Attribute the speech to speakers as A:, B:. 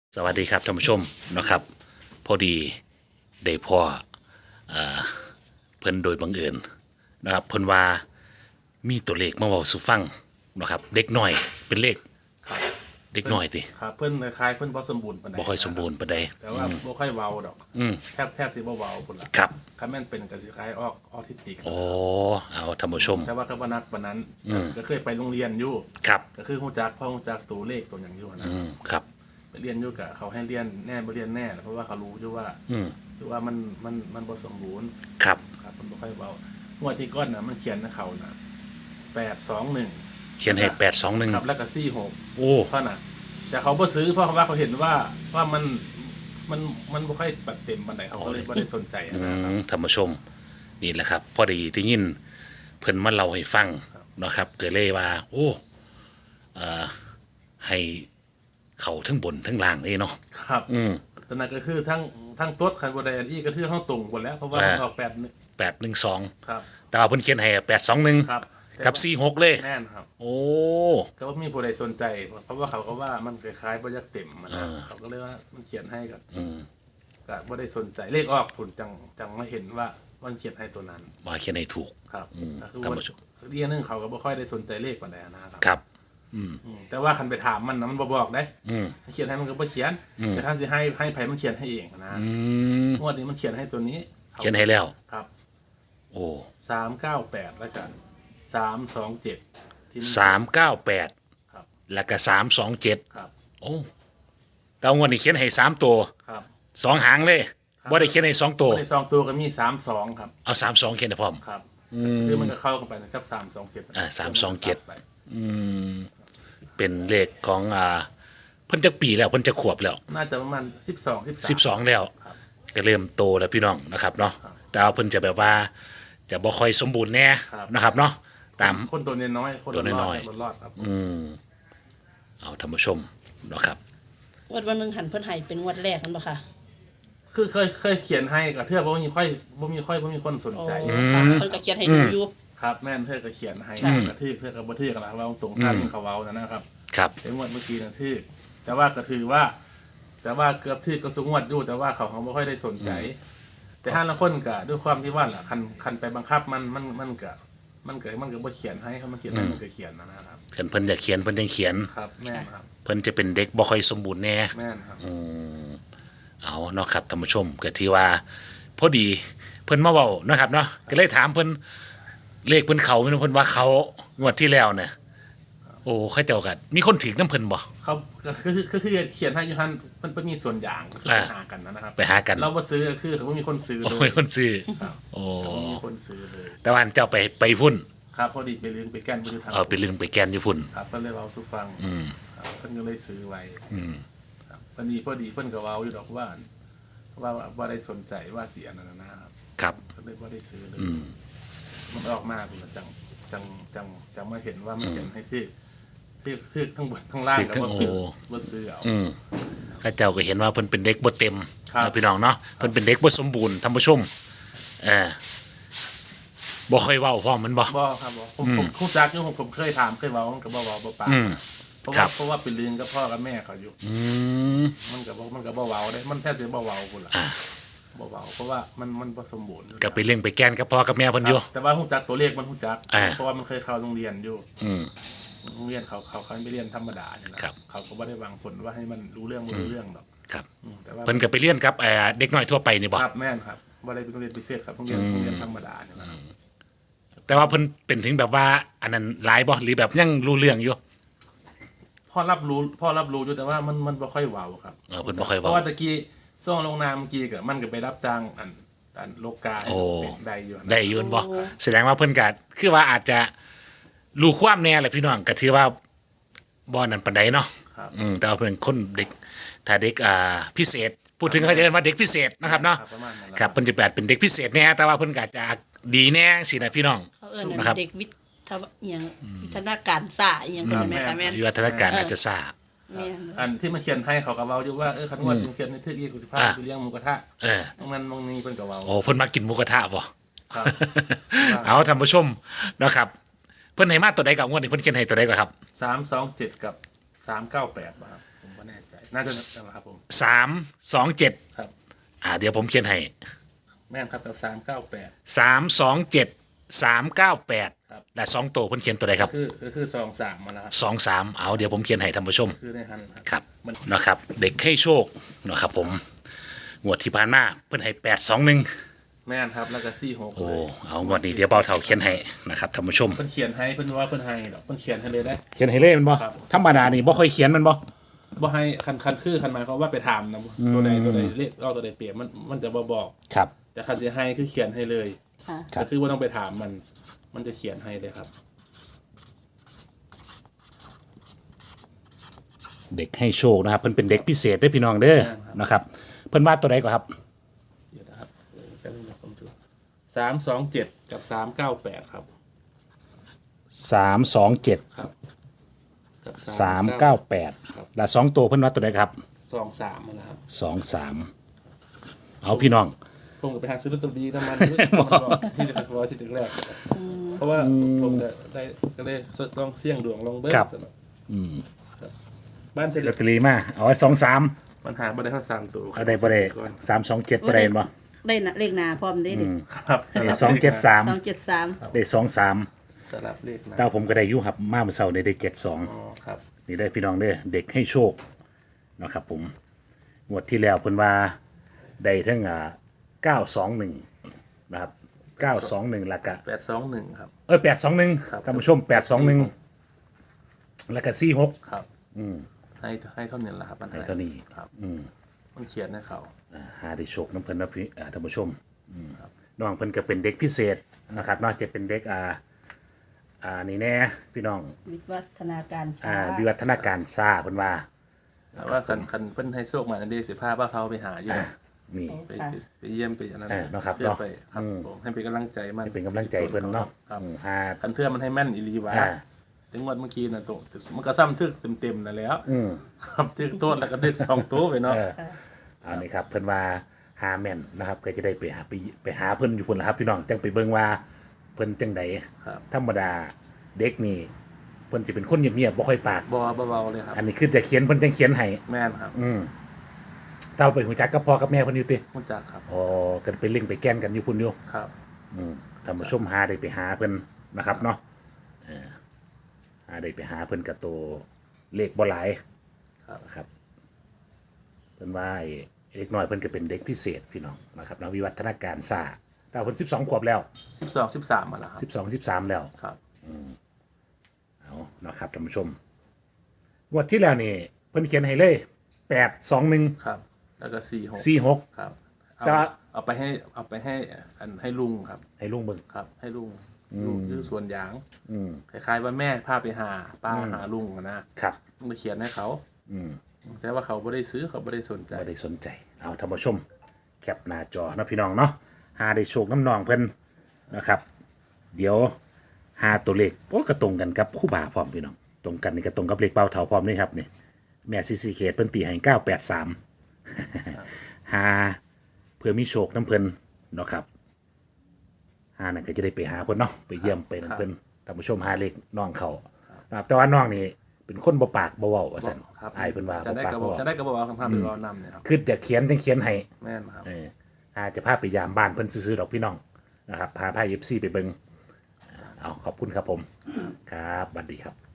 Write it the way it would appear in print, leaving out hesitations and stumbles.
A: สวัสดีครับท่านผู้ชมนะครับพอดีได้พ่อเพิ่นโดยบังเอิญนะครับเพิ่นว่ามีตัวเลขมาเว้าสู่ฟังนะครับเด็กน้อยเป็นเลข
B: ครับ
A: เด็กน้อยติ
B: ครับเพิ่นคล้ายๆเพิ่นบ่สมบูรณ์ปานใด
A: บ่ค่อยสมบูรณ์ปานใด
B: แต่ว่าบ่ค่อยเว้าดอก
A: อืม
B: แทบสิบ่เว้าพุ่นล่ะ
A: ครับ
B: คันแม่นเป็นก็สิคล้ายออทิสติก
A: โอ้เอาท่านผู้ชม
B: แต่ว่าก็บ่นักปานนั้นก็เคยไปโรงเรียนอยู่
A: ครับ
B: ก็คือฮู้จักตัวเลขตัวหยังอยู่นะ
A: ครับ
B: ไปเรียนอยู่ก็เขาให้เรียนแน่บ่เรียนแน่เพราะว่าเขารู้อยู่ว่าคือว่ามันบ่สมบูรณ์
A: ครับ
B: ครับมันบ่ค่อยเว้างวดที่ก่อนน่ะมันเขียนให้เขาน่ะ821
A: เขียนให้821
B: ครับแล้วก็46
A: โอ้
B: เพราะน่ะแต่เขาบ่ซื้อเพราะว่าเขาเห็นว่ามันบ่ค่อยปัดเต็มปานใดเขาก็เลยบ่ได้สนใจนะครับ
A: ท่านผู้ชมนี่แหละครับพอดีได้ยินเพิ่นมาเล่าให้ฟังนะครับเกิดเลยว่าโอ้ให้เขาทั้งบนทั้งล่างเลยเนาะ
B: ครับตอนนั้นก็คือทั้งต๊ดคันบ่ได้อันนี้ก็คือเฮาตรงหมดแล้วเพราะว่ามันออก
A: 812
B: ครับ
A: แต่ว่าเพิ่นเขียนให้821
B: ครับ
A: กับ46เลย
B: แน่นครับ
A: โอ้
B: ก็บ่มีผู้ใดสนใจเพราะว่าเขาก็ว่ามันคล้ายๆบ่อยากเต็มมันเขาก็เลยว่ามันเขียนให้ก็บ่ได้สนใจเลขออกผลจังมาเห็นว่ามันเขียนให้ตัวนั้น
A: มาเขียนให้ถูก
B: ครับก็คือว่าเรียนนึงเขาก็บ่ค่อยได้สนใจเลขปานใดนะครับ
A: ครับ
B: แต่ว่าคันไปถามมันนะมันบ่บอกได้เขียนให้มันก็บ่เขียนแต่ท่านสิให้ไผมันเขียนให้เองนะงวดนี้มันเขียนให้ตัวนี้
A: เขียนให้แล้ว
B: ครับ
A: โอ้
B: 398แล้วกัน327ที่
A: 398
B: ครับ
A: แล้วก็327
B: ครับ
A: โอ้แต่งวดนี้เขียนให้3ตัว
B: ครับ
A: 2หางเลยบ่ได้เขียนให้2ตัว
B: ใน2ตัวก็มี32ครับ
A: เอา32เขียนให้พร้อม
B: ครับคือมันก็เข้ากันไปนะครับ327
A: 327เป็นเลขของเพิ่นจักปีแล้วเพิ่นจะขวบแล้ว
B: น่าจะประมาณ12 13
A: แล้วก็เริ่มโตแล้วพี่น้องนะครับเนาะแต่ว่าเพิ่นจะแบบว่าจะบ่ค่อยสมบูรณ์แน่นะครับเนาะตาม
B: คนตัวน้อย
A: ตัวน้อย
B: รอดครับ
A: เอาท่านผู้ชมเนาะครับ
C: วันนึงหันเพิ่นให้เป็นงวดแรกนั่นบ่ค่ะ
B: คือเคยเขียนให้ก็เทื่อบ่มีคนสนใจ
C: เพิ่นก็เขียนให้ดูอยู่
B: ครับแม่นเทื่อก็เขียนให้กระทืบเทื่อก็บ่ทื่อกันล่ะว่าตรงท่านเขาเว้านะครับ
A: ครับ
B: ไอ้งวดเมื่อกี้นะทื่อแต่ว่าก็ถือว่าแต่ว่าเกือบทื่อก็สูงงวดอยู่แต่ว่าเขาบ่ค่อยได้สนใจแต่ถ้าละคนก็ด้วยความที่ว่าล่ะคันไปบังคับมันก็บ่เขียนให้เขามาเขียนให้มันก็เขียนนะครับ
A: เพิ่นอยากเขียนเพิ่นยังเขียน
B: ครับแม่นครับ
A: เพิ่นจะเป็นเด็กบ่ค่อยสมบูรณ์แน่
B: แม่นครับ
A: เอาเนาะครับท่านผู้ชมก็ที่ว่าพอดีเพิ่นมาเว้านะครับเนาะก็เลยถามเพิ่นเลขเพิ่นเขาเพิ่นว่าเขางวดที่แล้วเนี่ยโอ้เขาเจ้ากันมีคนถือน้ำเพิ่นบ่
B: เขาก็คือเขียนให้อยู่ท่านมันมีส่วนอย่างก็คือไปหากันนะครับ
A: ไปหากัน
B: เราบ่ซื้อคือเขามีคนซื้อเลย
A: มีคนซื้อโอ้
B: มีคนซื้อเลย
A: แต่ว่าเจ้าไปพุ่น
B: ครับพอดีไปเลี้ยงไปแกนไปอยู่ทาง
A: ไปเลี้ยงไปแกนอยู่พุ่น
B: ครับก็เลยเว้าสู่ฟังเพิ่นก็เลยซื้อไว้ครับพอดีเพิ่นก็เว้าอยู่ดอกว่าได้สนใจว่าสิอันนั้นนะครับ
A: ครับ
B: ก็เลยบ่ได้ซื้อเลยมันออกมาพุ่นจังมาเห็นว่ามันเขียนให้ที่ทั้งบนทั้งล่างก็บ่ซื้อเอา
A: ข้าเจ้าก็เห็นว่าเพิ่นเป็นเด็กบ่เต็มนะพี่น้องเนาะเพิ่นเป็นเด็กบ่สมบูรณ์ท่านผู้ชมบ่ค่อยเว้าพร้อมมันบ่
B: ครับผมรู้จักอยู่ผมเคยถามเคยเว้ามันก็บ่เว้าบ่ปากเพราะว่าเป็นเรื่องกับพ่อกับแม่เขาอยู่มันก็บ่เว้าได้มันแท้สิบ่เว้าพุ่นล่ะบ่เว้าเพราะว่ามันบ่สมบูรณ์
A: ก็ไปเลี้ยงไปแกนกับพ่อกับแม่เพิ่นอยู่
B: แต่ว่ารู้จักตัวเลขมันรู้จักเพราะว่ามันเคยเข้าโรงเรียนอยู่โรงเรียนเขาไปเรียนธรรมดาเนี่ยนะเขาก็บ่ได้วางผลว่าให้มันรู้เรื่องบ่รู้เรื่องหรอก
A: ครับแต่ว่าเพิ่นก็ไปเรียนกับเด็กน้อยทั่วไปนี่บ่
B: ครับแม่นครับบ่ได้เป็นโรงเรียนพิเศษครับโรงเรียนธรรมดาเนี่ยนะ
A: แต่ว่าเพิ่นเป็นถึงแบบว่าอันนั้นหลายบ่หรือแบบยังรู้เรื่องอยู่
B: พ่อรับรู้อยู่แต่ว่ามันบ่ค่อยเว้าครับ
A: เพิ่นบ่ค่อยเว้า
B: เพราะว่าตะกี้ซ่องลงนามเมื่อกี้ก็มันก็ไปรับจ้างอันโลกาได้อยู่
A: บ่แสดงว่าเพิ่นก็คือว่าอาจจะรู้ความแน่แหละพี่น้องก็ถือว่าบ่นั่นปานใดเนาะแต่ว่าเพิ่นคนเด็กถ้าเด็กพิเศษพูดถึงเขาจะเรียกว่าเด็กพิเศษนะครับเนาะครับเพิ่นจะเป็นเด็กพิเศษแน่แต่ว่าเพิ่นก็จะดีแน่สินะพี่น้อง
C: นะครับเด็กวิทย์อย่างวิทยาการซ่าอย่างเป็นแม่ค่ะแม่
A: วิทยาการอาจจะซ่า
B: อันที่มาเขียนให้เขาก็เว้าอยู่ว่าคันว่าเขียนในทึกอีกสิพาไปเลี้ยงหมูกระทะตรงนั้นตรงนี้เพิ่นก็เว้า
A: โอ้เพิ่นมากินหมูกระทะบ่ครับเอาท่านผู้ชมนะครับเพิ่นให้มาตัวใดกับงวดนี้เพิ่นเขียนให้ตัวใดก่อนครับ
B: 327กับ398บ่ครับผมบ่แน่ใจน่าจะนะครับผม
A: 327
B: ครับ
A: เดี๋ยวผมเขียนให้
B: แม่นครับกับ398
A: 327 398
B: ครับ
A: และ2ตัวเพิ่นเขียนตัวใดครับ
B: คือ23มาแล้วครับ
A: 23เอาเดี๋ยวผมเขียนให้ท่านผู้ชม
B: คือในหัน
A: ครับ
B: มัน
A: นะครับเด็กให้โชคนะครับผมงวดที่ผ่านมาเพิ่นให้821
B: แม่นครับแล้วก็46
A: โอ้
B: เลย
A: เอางวดนี้เดี๋ยวเบาเท่าเขียนให้นะครับท่านผู้ชม
B: เพิ่นเขียนให้เพิ่นว่าเพิ่นให้ดอกเพิ่นเขียนให้เลยได้
A: เขียนให้เลยแมันบ่
B: ครับ
A: ธรรมดานี่บ่ค่อยเขียนแมันบ่
B: บ่ให้คันคือคันหมายความว่าไปถามนะตัวใดเลขเอาตัวใดเปรียบมันจะบ่บอก
A: ครับ
B: แต่คันสิให้คือเขียนให้เลย
C: ค่ะ
A: ครับ
B: ก็คือว่าต้องไปถามมันจะเขียนให้เลยครับ
A: เด็กให้โชคนะครับเพิ่นเป็นเด็กพิเศษเด้อพี่น้องเด้อนะครับเพิ่นว่าตัวใดก่อนครับ
B: เดี๋ยวนะครับแป๊บนึงนะผมดู327กับ398ครับ
A: 327
B: ครับกับ
A: 398และ2ตัวเพิ่นว่าตัวใดครับ
B: 23มันนะครับ
A: 23เอาพี่น้อง
B: ผมก็ไปหาซื้อลอตเตอรี่น้ำมันที่เด็กร้อยที่เด็กแรกเพราะว่าผมก็ได้ลองเสี่ยงดวงลองเบิ้ลสนุกบ้านเสร็จ
A: ลอตเตอรี่มาเอาไว้23
B: ปัญหาบ่ได้ทั้ง3ตัว
A: เอาได้บ่ได้327บ่ได้บ่
C: ได้นะเลขหนาพร้อมได้ดิ
B: ครับสลับ
A: 273
C: 273
A: ได้23
B: สลับเลขนะ
A: แต่ผมก็ได้อยู่ครับมาเมื่อเช้านี้ได้
B: อ๋อ
A: 72
B: ครับ
A: นี่ได้พี่น้องเด้อเด็กให้โชคนะครับผมงวดที่แล้วเพิ่นว่าได้ทั้ง921นะครับ921แล้วก็
B: 821ครับ
A: 821
B: ครับ
A: ท่านผู้ชม821แล้วก็46
B: ครับให้เท่านี้แหละครับ
A: ให้เท่านี้
B: ครับมันเขียนให้เขา
A: หาได้โชคน้ำเพิ่นนะพี่ท่านผู้ชมน้องเพิ่นก็เป็นเด็กพิเศษนะครับนอกจากเป็นเด็กนี่แน่พี่น้อง
C: วิวัฒนาการช้า
A: วิวัฒนาการซ่าเพิ่นว่า
B: แต่ว่าคันเพิ่นให้โชคมาอันเดียว15ว่าเขาไปหาอยู่
A: นี่
B: ไปเยี่ยมไปอันนั้น
A: นะครับ
B: เพื่อไปครับผมให้เป็นกำลังใจมัน
A: เป็นกำลังใจเพิ่นเนาะ
B: ครับ
A: หา
B: คันเทื่อมันให้แม่นอีหลีวะ
A: อ่า
B: ถึงวันเมื่อกี้นะตัวมันก็ซ้ำทึกเต็มๆนั่นแหล้วครับทึกโต้นแล้วก็ดึก2ตัวไปเนาะ
A: อันนี้ครับเพิ่นว่าหาแม่นนะครับก็จะได้ไปหาเพิ่นอยู่พุ่นล่ะครับพี่น้องจังไปเบิ่งว่าเพิ่นจังใด
B: ครับ
A: ธรรมดาเด็กนี่เพิ่นสิเป็นคนเงียบๆบ่ค่อยปาก
B: บ่เบาๆเลยครับ
A: อันนี้คือจะเขียนเพิ่นจังเขียนให้
B: แม่นครับ
A: เต้าไปหูจักกับพ่อกับแม่เพิ่นอยู่ติ
B: รู้จักครับ
A: อ๋อกันไปเล่งไปแกล้นกันอยู่พุ่นอยู่
B: ครับ
A: ท่านผู้ชมหาได้ไปหาเพิ่นนะครับเนาะหาได้ไปหาเพิ่นกับตัวเลขบ่หลาย
B: ครับ
A: นะครับเพิ่นว่าไอ้เด็กน้อยเพิ่นก็เป็นเด็กพิเศษพี่น้องนะครับนะวิวัฒนาการซ่าแต่เพิ่น12ขวบแล้ว
B: 12 13มาแล้วครับ
A: 12 13แล้ว
B: ครับ
A: เอานะครับท่านผู้ชมงวดที่แล้วนี่เพิ่นเขียนให้เลย821
B: ครับ แล้วก็46
A: 46
B: ครับ
A: แต่ว่า
B: เอาไปให้ให้ลุงครับ
A: ให้ลุงเบิ่ง
B: ครับ ให้ลุงอยู่สวนยาง
A: อืม
B: คล้ายๆว่าแม่พาไปหาป้าหาลุงอะนะครับ มันไปเขียนให้เขาแต่ว่าเขาไม่ได้ซื้อเขาไม่ได้สนใจ
A: บ่ได้สนใจเอาท่านผู้ชมแคปหน้าจอนะพี่น้องเนาะหาได้โชคน้ำนองเพิ่นนะครับ เดี๋ยวหาตัวเลขโอ้ก็ตรงกันกับคู่บ่าพร้อมพี่น้องตรงกันนี่ก็ตรงกับเลขเป้าเถาพร้อมนี่ครับนี่แม่ซีซีเคเพิ่นตีให้983หาเพื่อมีโชคน้ำเพิ่นเนาะครับหานั่นก็จะได้ไปหาเพิ่นเนาะไปเยี่ยมไปนั่นเพิ่นท่านผู้ชมหาเลขน้องเขานะครับแต่ว่าน้องนี่เป็นคนบ่ปากบ่เว้าว่าซั่น
B: ครับ
A: อายเพิ่นว่า
B: จะ
A: บ่
B: ได้
A: ปาก
B: กระบ
A: บ่
B: อก
A: เว้า
B: จะได้กระบอกคำพาไปรอนำเนี่ยครับ
A: คือจะเขียนจังเขียนให้
B: แม่นครับ
A: อาจจะพาไปยามบ้านเพิ่นซื้อๆดอกพี่น้องนะครับพาพา FC ไปเบิงเอาขอบคุณครับผม ครับสวัสดีครับ